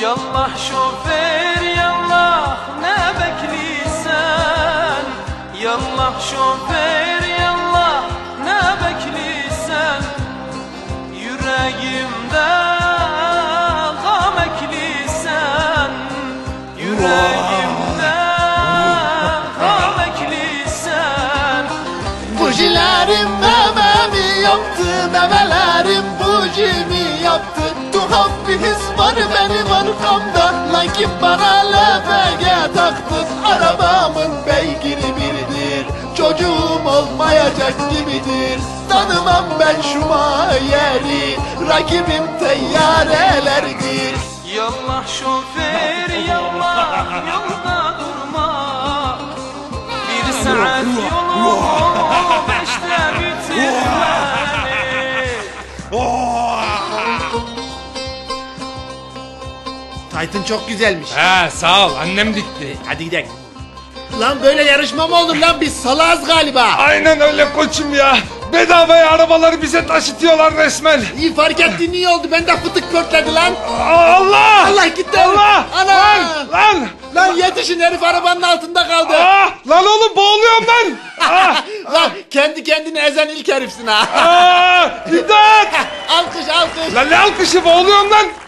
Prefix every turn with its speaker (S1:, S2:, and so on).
S1: Yallah şoför yallah ne bekliysen, yallah şoför yallah ne bekliysen, yüreğimde gam ekliysen, yüreğimde gam ekliysen.
S2: Bujilerim mememi yaptı, memelerim bujimi yaptı. Tuhaf bir his var benim arkamda, lakin bana LPG taktın. Arabamın beygiri biridir, çocuğum olmayacak gibidir. Tanımam ben şu yeri, rakibim teyyarelerdir.
S1: Yallah şoför yallah yolda durma, bir saat yolu 5'te bitirmeli.
S2: Taytın çok güzelmiş.
S3: He sağ ol, annem dikti.
S2: Hadi gidelim. Lan böyle yarışma mı olur lan, biz salağız galiba.
S3: Aynen öyle koçum ya. Bedavaya arabaları bize taşıtıyorlar resmen.
S2: İyi fark ettin, iyi oldu, bende fıtık pörtledi lan.
S3: Allah!
S2: Allah gitti.
S3: Allah!
S2: Ana!
S3: Lan!
S2: Lan yetişin, herif arabanın altında kaldı.
S3: Lan oğlum boğuluyorum lan!
S2: Lan kendi kendini ezen ilk herifsin ha.
S3: İmdat!
S2: Alkış alkış.
S3: Lan ne alkışı, boğuluyorum lan!